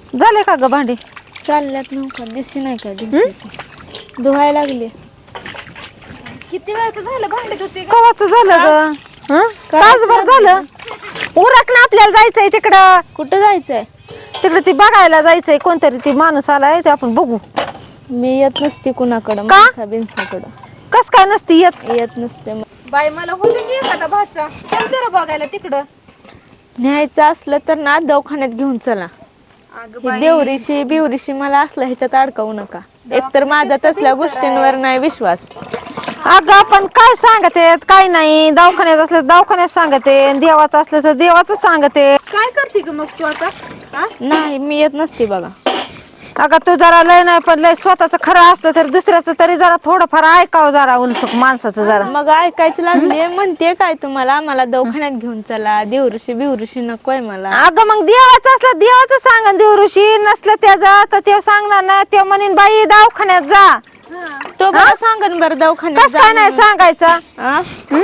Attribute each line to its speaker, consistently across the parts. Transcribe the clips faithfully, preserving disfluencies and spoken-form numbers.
Speaker 1: झाले का ग भांडी?
Speaker 2: चालल्यात नव्हता दिसली नाही का धुवायला लागली.
Speaker 3: किती वेळचं झालं भांडत होती ग?
Speaker 1: कवाच झालं ग? हं? तासभर झालं. उरक ना, आपल्याला जायचंय तिकडं.
Speaker 2: कुठं जायचंय?
Speaker 1: तिकडे ती बघायला जायचंय, कोणतरी ती माणूस आलाय ते आपण बघू.
Speaker 2: मी येत नसते कुणाकडं,
Speaker 1: का?
Speaker 2: माणसा बिनसाकडं
Speaker 1: कस काय नसती येत?
Speaker 2: येत नसते. मग
Speaker 3: बाई मला होतं की एखादा भाचा चल जरा बघायला तिकडं.
Speaker 2: न्यायचं असलं तर ना दवाखान्यात घेऊन चला.
Speaker 3: अगं
Speaker 2: ही
Speaker 3: बाई
Speaker 2: देवरीशी बिवरीशी मला असलं ह्याच्यात अडकवू नका. एकतर माझा तसल्या गोष्टींवर नाही विश्वास.
Speaker 1: अगं आपण काय सांगते काय नाही, दवाखान्यात असलं तर दवाखान्यात सांगते, देवाचं असलं तर देवाचं सांगते.
Speaker 3: काय करते ग मग तू आता? हा?
Speaker 2: नाही मी येत नसते बघा.
Speaker 1: अगं तू जरा लय नाही पण लय स्वतःच खरं असलं तर दुसऱ्याचं तरी जरा थोडंफार ऐकावं जरा उलसक माणसाचं जरा.
Speaker 2: मग ऐकायचं लागले म्हणते काय तुम्हाला, मला दवाखान्यात घेऊन चला, देवऋषी बिवऋषी नकोय मला.
Speaker 1: अगं मग देवाचं असलं देवाचं सांग, देवऋषी नसलं त्याचं तर ते सांगणार ना, ते म्हणेन बाई दवाखान्यात जा.
Speaker 2: तो बरं सांगन बरं दवाखान्यात
Speaker 1: कस काय नाही सांगायचं?
Speaker 2: हा?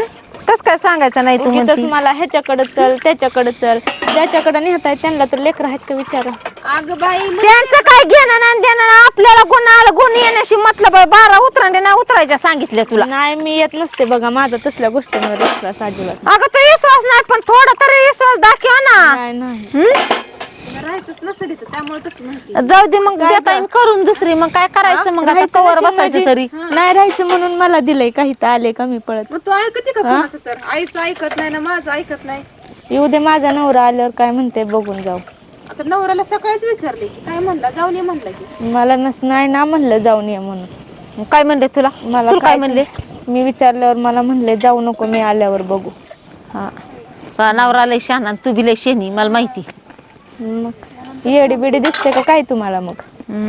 Speaker 1: कस काय सांगायचं नाही तू
Speaker 2: उगीचच
Speaker 1: म्हणती?
Speaker 2: मला ह्याच्याकडे चल त्याच्याकडे चल, ज्याच्याकडे नेहताय त्यांना तर लेकर आहेत का विचारा.
Speaker 3: अगं बाई मग
Speaker 1: त्यांचं काय घेणं नाही देणं नाही, आपल्याला गुण आलं गुण येण्याशी मतलब आहे. बारा उतरांडे नाही उतरायच्या सांगितल्या तुला.
Speaker 2: नाही मी येत नसते बघा, माझा तसल्या गोष्टींवर विश्वास अजिबात
Speaker 1: अगं तू विश्वास नाही पण थोडा तरी विश्वास दाखव ना.
Speaker 2: नाही. नाही
Speaker 1: हं?
Speaker 3: राहायचंच नसेल इथं त्यामुळे तशी म्हणते.
Speaker 1: जाऊ दे मग, देता येईल करून दुसरी. मग काय करायचं मग आता,
Speaker 2: राहायचं
Speaker 1: कवर
Speaker 2: नशीब
Speaker 1: बसायचं
Speaker 2: म्हणजे-
Speaker 1: तरी.
Speaker 2: नाही राहायचं म्हणून मला दिलंय, काही तर आले का मी पळत.
Speaker 3: मग तू ऐकते का कोणाचं तर? आईचं ऐकत नाही ना माझं ऐकत नाही.
Speaker 2: येऊ दे माझा नवरा आल्यावर काय म्हणते बघून जाऊ.
Speaker 3: आता नवऱ्याला सकाळीच विचारले की काय म्हणला, जाऊन ये म्हणला की.
Speaker 2: मला नस नाही ना म्हणलं जाऊन ये म्हणून.
Speaker 1: मग काय म्हणले तुला?
Speaker 2: मला
Speaker 1: तुला काय म्हणले?
Speaker 2: मी विचारल्यावर मला म्हणले जाऊ नको, मी आल्यावर बघू.
Speaker 1: हा हा, नवरा लय शहाणा आणि तू बी लय शेणी, मला माहिती.
Speaker 2: मग येडी बिडी दिसते का काय तुम्हाला? मग
Speaker 1: हं.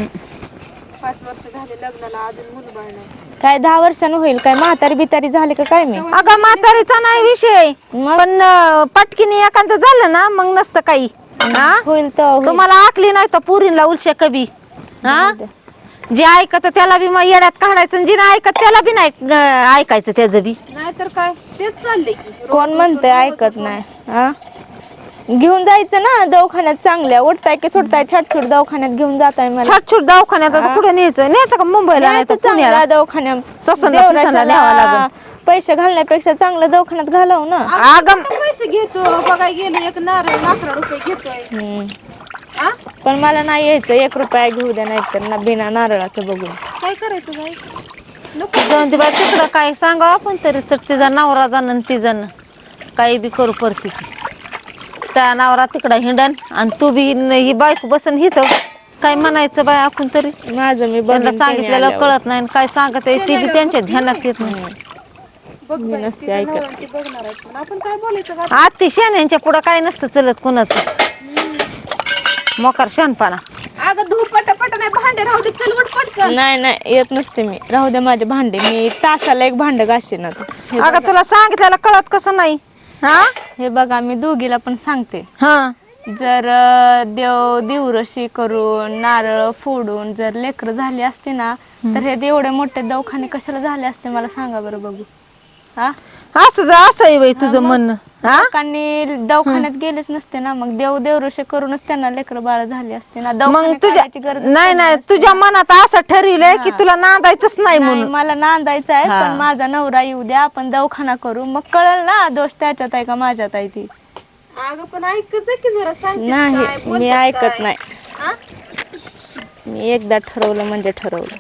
Speaker 3: पाच वर्ष झाले लग्नाला अजून मुलबाळ नाही.
Speaker 2: काय दहा वर्षानं होईल काय? म्हातारी बितारी झाले का काय मी?
Speaker 1: अगं म्हातारीचा नाही विषय,
Speaker 2: मग
Speaker 1: पण अं, पटकीने एखादं झालं ना मग नसतं काही. हा?
Speaker 2: होईल तर होईल.
Speaker 1: तुम्हाला आकली नाही तर पुरीला उलशे कभी. हा, जे ऐकत त्याला बी मग येड्यात काढायचं, आणि जे नाही ऐकत त्याला बी नाही अं, ऐकायचं त्याचं बी.
Speaker 3: नाहीतर काय तेच चाललंय की.
Speaker 2: कोण म्हणते ऐकत नाही? हा, घेऊन जायचं ना दवाखान्यात. चांगल्या उठताय की सोडताय छाटछूट दवाखान्यात घेऊन जाताय मला.
Speaker 1: छाटछूट दवाखान्यात आता कुठे न्यायचं? न्यायचं का मुंबईला नाही तर पुण्याला?
Speaker 2: चांगला दवाखान्यात
Speaker 1: ससनला फिसनला न्यावं लागेल.
Speaker 2: पैसे घालण्यापेक्षा चांगलं दवाखान्यात घालव ना.
Speaker 1: अगं
Speaker 3: किती पैसे घेतो बघाय गेले, एक नारळ अकरा रुपये घेतोय.
Speaker 2: हम्म.
Speaker 3: हा?
Speaker 2: पण मला नाही यायचं, एक रुपया घेऊ द्या नाही तर ना बिना नारळाचं बघून.
Speaker 3: काय करायचं बाई? नको.
Speaker 1: जाऊन दे बाई तिकडं, काय सांगावं आपण तरी. चट तिचा नवरा जाणं ती जाणं काही बी करू परतीची. त्या नवरा तिकडं हिंडन आणि तू बी न- ही बायको बसन हिथं. काय म्हणायचं बाय आपण तरी?
Speaker 2: माझं मी
Speaker 1: त्यांना
Speaker 2: बघीन
Speaker 1: सांगितलेलं
Speaker 2: आल्यावर.
Speaker 1: कळत नाही आणि काय सांगत आहे ते बी त्यांच्या ध्यानात येत नाही.
Speaker 3: बघ बाई,
Speaker 2: नसते
Speaker 3: तिचं
Speaker 2: ऐकत.
Speaker 3: नवरा ती बघणार आहे. पण आपण काय बोलायचं का?
Speaker 1: आत्ती शेण्यांच्या पुढं काय नसतं चलत कुणाचं. मोकार शहाणपणा.
Speaker 3: अगं धू पट पट नाही, भांडे राहू दे, चल उठ पटकन.
Speaker 2: नाही नाही येत नसते मी. राहू द्या माझे भांडे, मी तासाला एक भांड घासते ना. हे
Speaker 1: अगं तुला सांगितलेलं कळत कसं नाही? हा
Speaker 2: हे बघा मी दोघीला पण सांगते,
Speaker 1: हा
Speaker 2: जर अं, देव दिवरशी करून नारळ फोडून जर लेकर झाली असते ना तर हे एवढे मोठे दवाखाने कशाला झाले असते मला सांगा बरं बघू. हा
Speaker 1: असं जा असं आहे बाई तुझं म्हणणं. हा
Speaker 2: लोकांनी दवाखान्यात गेलेच नसते ना, मग देव देवऋषी करूनच त्यांना लेकर बाळ झाली असते ना.
Speaker 1: मग
Speaker 2: दवाखान्यात
Speaker 1: तुझ्या
Speaker 2: काढायची गरज
Speaker 1: नाही नाही तुझ्या मनात असं ठरविलंय की तुला नांदायचंच नाही
Speaker 2: नाही,
Speaker 1: म्हणून.
Speaker 2: मला नांदायचं आहे
Speaker 1: हा.
Speaker 2: पण माझा नवरा येऊ द्या, आपण दवाखाना करू, मग कळल ना दोष त्याच्यात आहे का माझ्यात आहे ती.
Speaker 3: अगं पण ऐकत की जरा, सांगते
Speaker 2: नाही
Speaker 3: काय,
Speaker 2: मी
Speaker 3: बोलते
Speaker 2: ऐकत
Speaker 3: काय.
Speaker 2: नाही.
Speaker 3: हा?
Speaker 2: मी एकदा ठरवलं म्हणजे ठरवलं.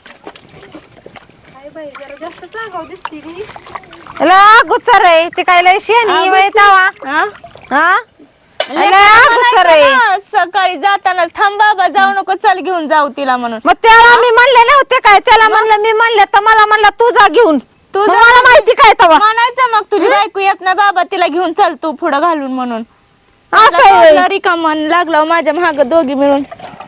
Speaker 3: काय बाई जरा जास्त सांगाव दिसते की.
Speaker 1: ला गुच्चर आहे ते काय लय शेणी बाई तवा.
Speaker 2: हा?
Speaker 1: हा
Speaker 2: लेकरं
Speaker 1: ला गुच्चर आहे.
Speaker 2: म्हणायचं ना, सकाळी जाताना थांब बाबा जाऊ नको, चल घेऊन जाऊ तिला म्हणून.
Speaker 1: मग त्याला मी म्हणले नव्हते काय? त्याला म्हणलं मी म्हणले तर मला म्हणलं तू जा घेऊन.
Speaker 2: तू
Speaker 1: मग
Speaker 2: जा
Speaker 1: मला माहिती काय तवा?
Speaker 2: म्हणायचं मग तुझी बायको येत ना बाबा तिला घेऊन चल तू पुढं घालून म्हणून.
Speaker 1: असं आहे
Speaker 2: रिकामन लागलं माझ्या माग दोघी मिळून.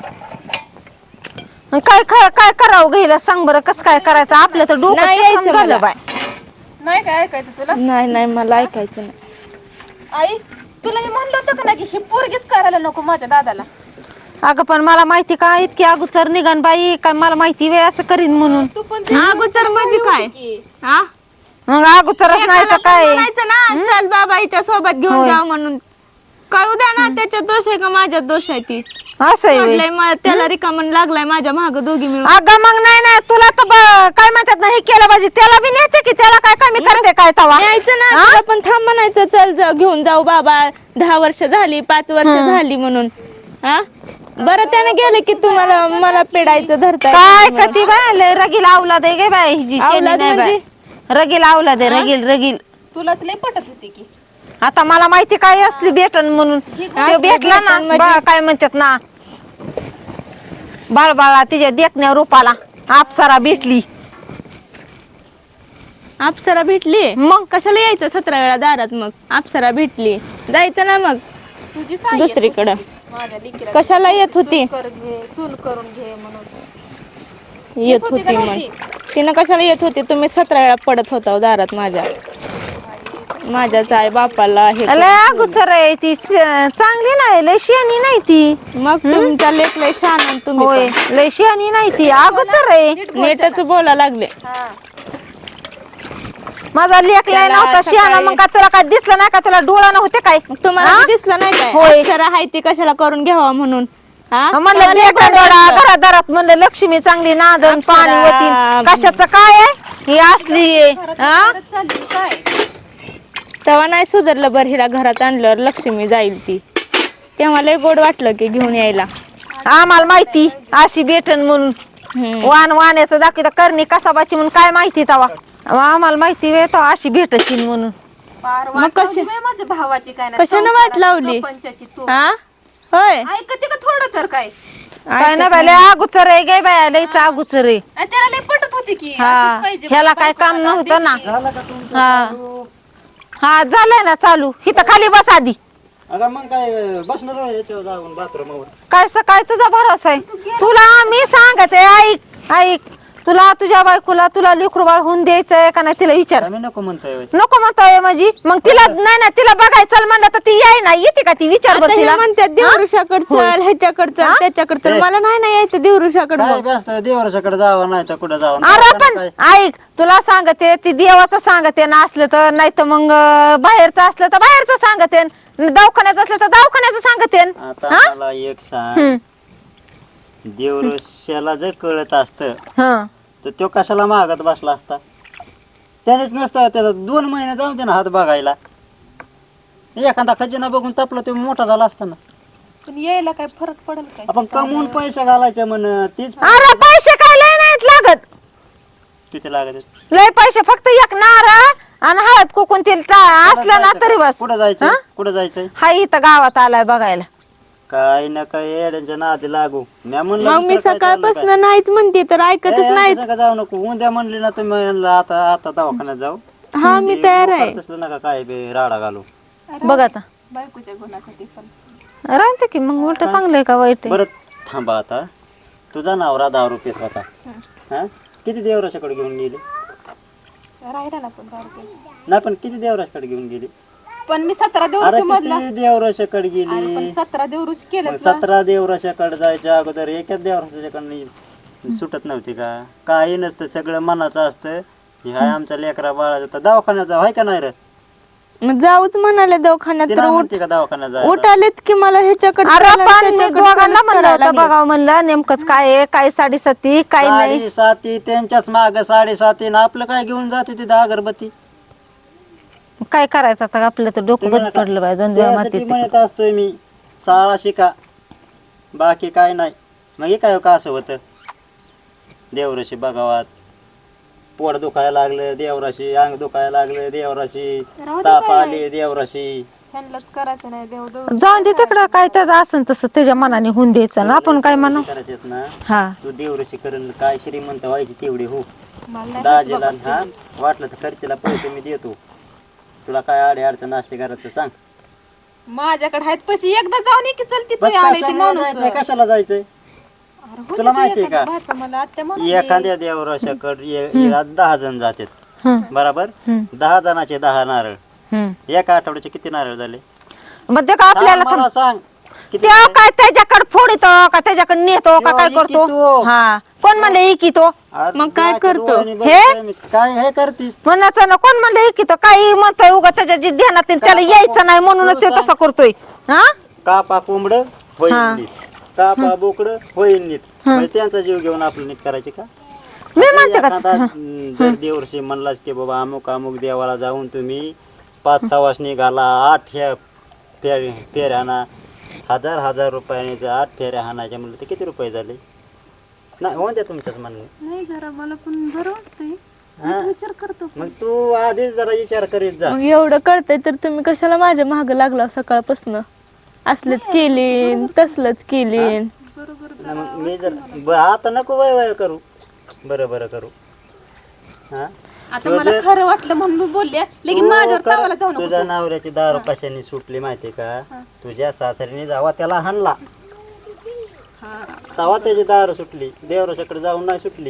Speaker 1: व्हय. काय काय काय करावं घ्यायला सांग बरं, कसं काय करायचं? आपलं तर डोकं
Speaker 2: नाही
Speaker 1: चक्राम
Speaker 2: यायचं
Speaker 1: झालं
Speaker 2: मला.
Speaker 1: बाय.
Speaker 3: नाही काय ऐकायचं तुला?
Speaker 2: नाही नाही मला ऐकायचं नाही.
Speaker 3: आई तुला मी म्हणलं होतं का नाही की ही पोरगीच करायला नको माझ्या दादाला.
Speaker 1: अगं पण मला माहिती का इतकी अगोचर निघान बाई, काय मला माहिती वेळ असं करीन म्हणून.
Speaker 3: तू पण ते
Speaker 2: अगोदर म्हणजे
Speaker 3: होती
Speaker 2: काय?
Speaker 3: की.
Speaker 2: हा?
Speaker 1: मग अगोचरच नाही तर
Speaker 2: एकाला पण
Speaker 1: काय?
Speaker 2: म्हणायचं ना चल बाबा हिच्या सोबत घेऊन
Speaker 1: होय.
Speaker 2: जाऊ म्हणून. कळू द्या ना त्याच्यात दोष आहे का माझ्यात दोष आहे ती.
Speaker 1: असं आहे व्हय.
Speaker 2: सोडलंय मा- त्याला रिकामण लागलाय माझ्या माग दोघी मिळून.
Speaker 1: अगं मग नाही नाही तुला तर ब- काय म्हणतात ना हे केलं पाहिजे त्याला बी नेते की त्याला काय कमी करते काय तवा
Speaker 2: यायचं ना तुला पण थांब म्हणायचं चल जा घेऊन जाऊ बाबा दहा वर्ष झाली पाच वर्ष झाली म्हणून हा बरं त्याने गेले की तुम्हाला मला पेडायचं धरता
Speaker 1: काय कधी बाय रगील आवला दे गे बाय हिची शेणी
Speaker 2: औलाद
Speaker 1: नाही बाय
Speaker 2: म्हणजे?
Speaker 1: रगील आवला दे रगील रगील
Speaker 3: तुलाच लय पटत होती की
Speaker 1: आता मला माहिती काय असली भेटन म्हणून ते भेटला ना बा- काय म्हणतात ना बाळबाळा तिच्या देखण्या रूपाला अप्सरा भेटली
Speaker 2: अप्सरा भेटली
Speaker 1: मग
Speaker 2: कशाला यायचं सतरा वेळा दारात मग अप्सरा भेटली जायचं ना मग
Speaker 3: तुझी साई
Speaker 2: दुसरीकडं
Speaker 3: येत होती. माझ्या लेकीला
Speaker 2: कशाला येत होती
Speaker 3: सून कर घे सून करून घे म्हणून
Speaker 2: येत
Speaker 3: होती का
Speaker 2: होती मग
Speaker 3: नव्हती?
Speaker 2: तिनं कशाला येत होती तुम्ही सतरा वेळा पडत होता दारात माझ्या माझ्याच आई बापाला हे
Speaker 1: लय अगोचर आहे ती स- चांगली नाही लय शियानी नाही ती
Speaker 2: मग तुमचा लेख लय छान आणि तुम्ही
Speaker 1: होय लय शियानी नाही ती अगोचर आहे
Speaker 2: पण नेटच बोला लागले
Speaker 3: हा
Speaker 1: माझा लेख लय
Speaker 2: त्याला
Speaker 1: नव्हता शियाना
Speaker 2: सकाळी-
Speaker 1: मग का तुला काय दिसलं नाही का तुला डोळा नव्हते काय
Speaker 2: मग तुम्हाला
Speaker 1: हा?
Speaker 2: बी दिसलं नाही काय
Speaker 1: होय.
Speaker 2: अप्सरा हाय ती कशाला करून घ्यावा म्हणून हा?
Speaker 1: म्हणलं
Speaker 2: तुम्हाला
Speaker 1: लेखा
Speaker 2: एवढं
Speaker 1: डोळा
Speaker 2: वाटलं.
Speaker 1: घरात घरात म्हणलं लक्ष्मी चांगली नादन
Speaker 2: अप्सरा.
Speaker 1: पाणी होती कशाचं काय आहे ही असली आहे हा?
Speaker 3: परत चालली काय
Speaker 2: तेव्हा नाही सुधारलं बरं हिला घरात आणल्यावर लक्ष्मी जाईल ती तेव्हा लय गोड वाटलं की घेऊन यायला
Speaker 1: आम्हाला माहिती अशी भेटन म्हणून
Speaker 2: हम्म.
Speaker 1: वान वाण्याचं दाखवता करणी कसाबाची म्हणून काय माहिती तवा आम्हाला माहिती वे तो अशी भेटशील म्हणून
Speaker 3: पार
Speaker 2: मग
Speaker 3: वाट
Speaker 2: कशी-
Speaker 3: लावली बाई माझ्या भावाची काय नाही
Speaker 2: कशानं वाट लावली?
Speaker 3: प्रपंचाची तू
Speaker 2: हा होय
Speaker 3: ऐकते का थोडं तर काय
Speaker 1: काय ना बाय अगुचर आहे गे बाय लयच अगुचर आहे
Speaker 3: आणि त्याला लय पटत होती की
Speaker 1: हा
Speaker 3: अशीच पाहिजे
Speaker 1: ह्याला
Speaker 3: बाई
Speaker 1: काय काम
Speaker 3: बायकोला
Speaker 1: नव्हतं ना
Speaker 3: देते.
Speaker 4: झालं का तुमचं
Speaker 1: हा.
Speaker 4: चालू?
Speaker 1: हा झालंय ना चालू इथं खाली बस आधी
Speaker 4: अगं मग काय बसणार आहे याच्यावर जाऊन बाथरूमवर
Speaker 1: काय सकाळ तुझा भरोसा आहे तुला मी सांगते ऐक ऐक तुला तुझ्या बायकोला तुला लेकरू बाळ होऊन द्यायचंय का नाही तिला विचार
Speaker 4: आम्ही नको म्हणतोय होय.
Speaker 1: नको म्हणतोय माझी मग तिला नाही ना तिला बघायचं चल म्हणलं तर ती याय ना येते का ती विचार
Speaker 2: आता
Speaker 1: बरं
Speaker 2: हे
Speaker 1: तिला
Speaker 2: म्हणतात देवऋषाकड चल ह्याच्याकड चल त्याच्याकड चल
Speaker 4: ते-
Speaker 2: मला नाही ना यायचं देवऋषाकड
Speaker 4: काय
Speaker 2: मग
Speaker 4: व्यस्त देवराच्याकडे जावं नाही तर कुठं जावं
Speaker 1: अरे
Speaker 4: काय
Speaker 1: पण ऐक तुला सांगते ती देवाचं सांगते ना असलं तर नाही तर मग अं, बाहेरचं असलं तर बाहेरचं सांगते दवाखान्याचं असलं तर दवाखान्याचं सांगते
Speaker 4: आता मला एक सांग
Speaker 1: हम्म.
Speaker 4: देवऋषाला जर कळत असतं
Speaker 1: हं.
Speaker 4: तर तो कशाला मागत बसला असता त्यानेच नसतं त्याचा दोन महिने जाऊन दे ना हात बघायला एखादा खजिना बघून तापला तो मोठा झाला असता ना
Speaker 3: पण यायला काय फरक पडेल काय
Speaker 4: आपण कमवून पैसे घालायचे म्हण तीच
Speaker 1: अरे पैसे काय लय नाहीत लागत
Speaker 4: किती लागत
Speaker 1: लय पैसे फक्त एक नारळ आणि हळद कोकून तेल टा- असलं ना तरी बस
Speaker 4: कुठं जायचं
Speaker 1: हा?
Speaker 4: कुठं जायचंय
Speaker 1: हा इथं गावात आलाय बघायला
Speaker 4: काय ना काय येड्यांच्या नादी लागू म्या म्हणलं
Speaker 2: मग मी
Speaker 4: दुसरं काय चाललं
Speaker 2: सकाळपासून नाहीच म्हणते तर
Speaker 4: काय?
Speaker 2: ऐकतच
Speaker 4: ए,
Speaker 2: नाही
Speaker 4: आमच्या संग जाऊ नको उद्या म्हणली ना तुम्ही म्हणलं आता आता दवाखान्यात जाऊ
Speaker 2: हा मी तयार आहे
Speaker 4: तसलं नका काय बे राडा घालू
Speaker 1: बघ आता
Speaker 3: बायकोच्या गुणासाठी पण
Speaker 1: राहते की मग उलट चांगलंय का वाईट आहे?
Speaker 4: बरं थांबा आता तुझा नवरा दहा रुपये होता हा किती देवराशाकडे घेऊन गेली
Speaker 3: राहिला ना पण दारू प्यायची.
Speaker 4: नाही पण किती देवराशाकडे घेऊन गेली
Speaker 3: पण मी सतरा
Speaker 4: अरे
Speaker 3: देवऋषी मधला
Speaker 4: किती देवराशाकडे
Speaker 3: अरे
Speaker 4: गेली
Speaker 3: पण सतरा देवऋषी केलं
Speaker 4: मग सतरा देवराशाकडे जायच्या अगोदर एकाच देवराशाकडे सुटत नव्हती का काही नसतं सगळं मनाचं असतं हे हाय आमच्या लेकरा बाळाचं तर दवाखान्यात जाऊ हाय का नाही रे
Speaker 2: मग जाऊच म्हणाले दवाखान्यात
Speaker 4: तिला
Speaker 2: तर उठ
Speaker 4: म्हणते का दवाखान्यात जायला
Speaker 2: उठालेत की मला ह्याच्याकडे
Speaker 1: अरे
Speaker 2: चला,
Speaker 1: पण मी
Speaker 2: त्याच्याकडे
Speaker 1: दोघांना
Speaker 2: चला
Speaker 1: म्हणलं
Speaker 2: करायला
Speaker 1: होतं
Speaker 2: लागले.
Speaker 1: बघावं म्हणलं नेमकंच काय आहे काय साडेसाती काय नाही
Speaker 4: साडेसाती त्यांच्याच माग साडेसाती ना आपलं काय घेऊन जाते तिथं अगरबत्ती
Speaker 1: काय करायचं आता आपलं तर डोकं बंद पडलं पाहिजे दोन दिवस
Speaker 4: त्यासाठी
Speaker 1: मातीत
Speaker 4: म्हणत असतोय मी शाळा शिका बाकी काय नाही मग हे काय का असं होतं देवराशी बघावात पोट दुखायला लागलं देवराशी अंग दुखायला लागलं देवराशी
Speaker 3: राहू दे
Speaker 4: ताप
Speaker 3: काय.
Speaker 4: आली देवराशी
Speaker 3: ह्यांनाच करायचं नाही देव देव
Speaker 1: जाऊन दे तिकडं काय त्याचं असेल तसं त्याच्या मनाने होऊन द्यायचं ना आपण काय म्हणू
Speaker 4: करायचेत ना
Speaker 1: हा
Speaker 4: तू देवराशी करेल काय श्रीमंत व्हायची तेवढी हो
Speaker 3: मला नाही
Speaker 4: दाजीला हा वाटलं तर खर्चीला पैसे मी देतो तुला काय आडे अडचण असते घरात सांग
Speaker 3: माझ्याकडे आहेत पैसे एकदा जाऊन ये की चल
Speaker 4: बस
Speaker 3: तिथे आले ते
Speaker 4: कशाला
Speaker 3: माणूस
Speaker 4: जायचंय कशाला जायचंय
Speaker 3: अरे हो
Speaker 4: तुला
Speaker 3: ना,
Speaker 4: माहितीये
Speaker 3: एखादा
Speaker 4: का?
Speaker 3: भाचा मला आत्या म्हणून
Speaker 4: एखाद्या देवराशाकडे दहा जण जातात
Speaker 1: हं,
Speaker 4: बरोबर
Speaker 1: हं,
Speaker 4: दहा जणाचे दहा नारळ
Speaker 1: हं.
Speaker 4: एका आठवड्याचे किती नारळ झाले
Speaker 1: मग ते का आपल्याला
Speaker 4: सांग मला सांग किती
Speaker 1: त्या
Speaker 4: झाले?
Speaker 1: काय त्याच्याकडे फोडितो का त्याच्याकडे नेतो का
Speaker 4: त्यो
Speaker 1: काय
Speaker 4: इकितो.
Speaker 1: करतो हा कोण म्हणले इकितो
Speaker 4: अरे
Speaker 2: मग काय
Speaker 4: माझ्या
Speaker 2: करतो?
Speaker 4: डोळ्याने
Speaker 1: हे?
Speaker 4: बघतोय मी. काय हे करतीस
Speaker 1: म्हणायचं ना कोण म्हणले इकितो काही म्हणतोय उगा त्याच्या जी ध्यानात आहे, त्याला यायचं नाही म्हणूनच ते तसं करतोय हा
Speaker 4: कापा कोंबड
Speaker 1: हा.
Speaker 4: कापा बोकडं होईल नीट म्हणजे त्यांचा जीव घेऊन आपलं नीट करायचे का?
Speaker 1: मी म्हणते का
Speaker 4: एखादा,
Speaker 1: तसं
Speaker 4: हं, जर देवर्षी म्हणलाच की बाबा अमुक अमुक देवाला जाऊन तुम्ही पाच सवासनी घाला, आठ ह्या फेर फेऱ्या हाणा, हजार हजार रुपयाने जर आठ फेऱ्या हाणायच्या म्हणलं तर किती रुपये झाले? नाही होऊन द्या तुमच्याच म्हणणे.
Speaker 3: नाही जरा मला पण बरं वाटतंय
Speaker 4: हा?
Speaker 3: विचार करतो
Speaker 4: मग तू आधीच जरा विचार करीत जा.
Speaker 2: मग एवढं कळतंय तर तुम्ही कशाला माझ्या माग लागला सकाळपासून? असलंच केली तसलंच केली.
Speaker 3: बरोबर
Speaker 4: नाही, मग मी जर ब- आता नको वय वय करू, बरं बरं करू. हा
Speaker 3: आता मला खरं वाटलं म्हणून मी बोलले लेकिन
Speaker 4: तू
Speaker 3: माझ्यावर
Speaker 4: कर-
Speaker 3: तावाला जाऊ नको
Speaker 4: तुझ्या
Speaker 3: तू.
Speaker 4: नवऱ्याची दारू कशाने सुटली माहितीये का? तुझ्या सासरीने जावा त्याला हाणला, तवा त्याची दारू सुटली. देवरशाकडे जाऊन नाही सुटली.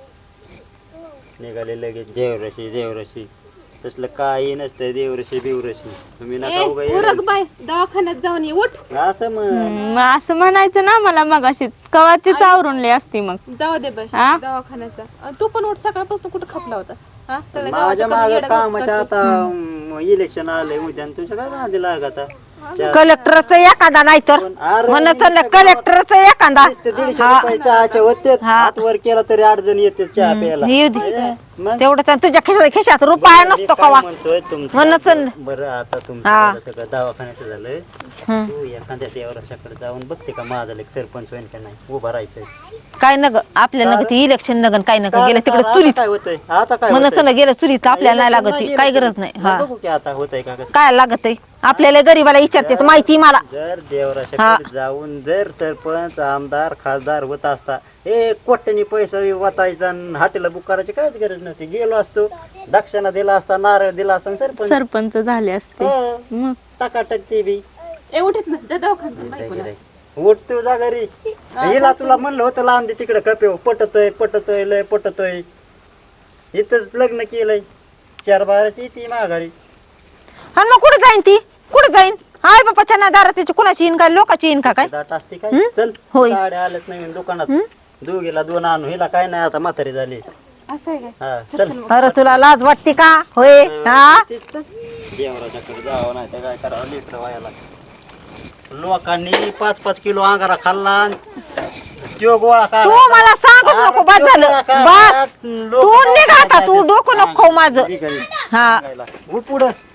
Speaker 4: निघाले लगेच देवरशी देवरशी, तसलं काही नसतं देवरशी बिवरशी. तुम्ही नका
Speaker 3: ए,
Speaker 4: उगा
Speaker 3: उरक
Speaker 4: येडे.
Speaker 3: बाय दवाखान्यात जाऊन ये उठ
Speaker 4: असं म्हण.
Speaker 2: मग असं म्हणायचं ना मला मगाशीच कवाचीच आवरून लय असती मग.
Speaker 3: जाऊ दे बाय
Speaker 2: हा?
Speaker 3: दवाखान्याचा अं, तू पण उठ सकाळपासून कुठं खपला होता हा सगळ्या
Speaker 4: माझ्या
Speaker 3: गावाच्या
Speaker 4: माग
Speaker 3: येडं
Speaker 4: कामाच्या
Speaker 3: करतो.
Speaker 4: आता इलेक्शन आलंय उद्या आणि तुझ्या काय नादी लागत आता?
Speaker 1: कलेक्टरच एखादा नाही तर
Speaker 4: अरे,
Speaker 1: म्हणत कलेक्टरच एखादा
Speaker 4: नुसते दीडशे रुपये चहाचे होते, हात वर केला तरी आठ जण येते चहा प्यायला.
Speaker 1: येऊ दे
Speaker 4: मग
Speaker 1: तेवढंच आणि तुझ्या खिशात खिशात रुपया
Speaker 4: मी
Speaker 1: नसतो
Speaker 4: काय
Speaker 1: कवा
Speaker 4: म्हणतोय तुमचं-
Speaker 1: म्हणच न.
Speaker 4: बरं आता तुमचं
Speaker 1: हा.
Speaker 4: झालं सगळं दवाखान्याचं झालं. तू एखाद्या देवराशाकडे जाऊन बघते का माझा लेक सरपंच होईल का नाही, उभा राहायचंय.
Speaker 1: काय नग आपल्या नग ते इलेक्शन नगन काय नग गेलं तिकडे
Speaker 4: आता
Speaker 1: चुलीत
Speaker 4: काय होतंय आता काय
Speaker 1: म्हणत
Speaker 4: होतंय?
Speaker 1: ना गेलं चुलीत आपल्याला नाही
Speaker 4: Election
Speaker 1: लागत
Speaker 4: नाही
Speaker 1: ती, काय
Speaker 4: गेलं
Speaker 1: गरज
Speaker 4: तरी.
Speaker 1: नाही हा
Speaker 4: बघू की आता होतंय का कसं.
Speaker 1: काय लागत आहे आपल्याला गरीबाला विचारते माहिती मला.
Speaker 4: जर देवराशाकडे जाऊन जर सरपंच आमदार खासदार होत असता, एक कोट्यानी पैसा वाचायचा आणि हॉटेल बुक करायची काहीच गरज नव्हती. गेलो असतो, दक्षिणा दिला असता, नारळ दिला असता आणि सरपंच
Speaker 2: सरपंच झाले असते.
Speaker 4: हो,
Speaker 2: मग
Speaker 4: टकाटक ते बी.
Speaker 3: ए उठत ना जा दवाखान्यात बायकोला.
Speaker 4: उठ तू जा घरी. हिला तुला म्हणलं होतं लांब दे तिकडे कपेव, पटतोय पटतोय लय पटतोय. इथंच लग्न केलंय, चार बाराची ती माघारी.
Speaker 1: हा मग कुठे जाईन ती कुठे जाईन? हाय बापाच्या ना दारात तिची कुणाची येईन काय लोकांची येईन का काय?
Speaker 4: दाट असते काय? चल
Speaker 1: होय.
Speaker 4: साड्या आल्याच नवीन दुकानात, दोघीला दोन आणू. हिला काय नाही आता म्हातारी झाली.
Speaker 3: असं आहे काय
Speaker 4: हा चल.
Speaker 1: अरे तुला लाज वाटते का होय हा?
Speaker 4: देवराच्याकडे जावं नाही तर काय करावं लेकरं व्हायला. लोकांनी पाच पाच किलो अंगारा खाल्ला आणि त्यो गोळा
Speaker 1: तू
Speaker 4: काढा.
Speaker 1: मला सांगूच नको बस झालं बस
Speaker 4: लोक
Speaker 1: तू निघ आता तू डोकं नको खाऊ माझं
Speaker 4: घरी
Speaker 1: हा
Speaker 4: उठ पुढं.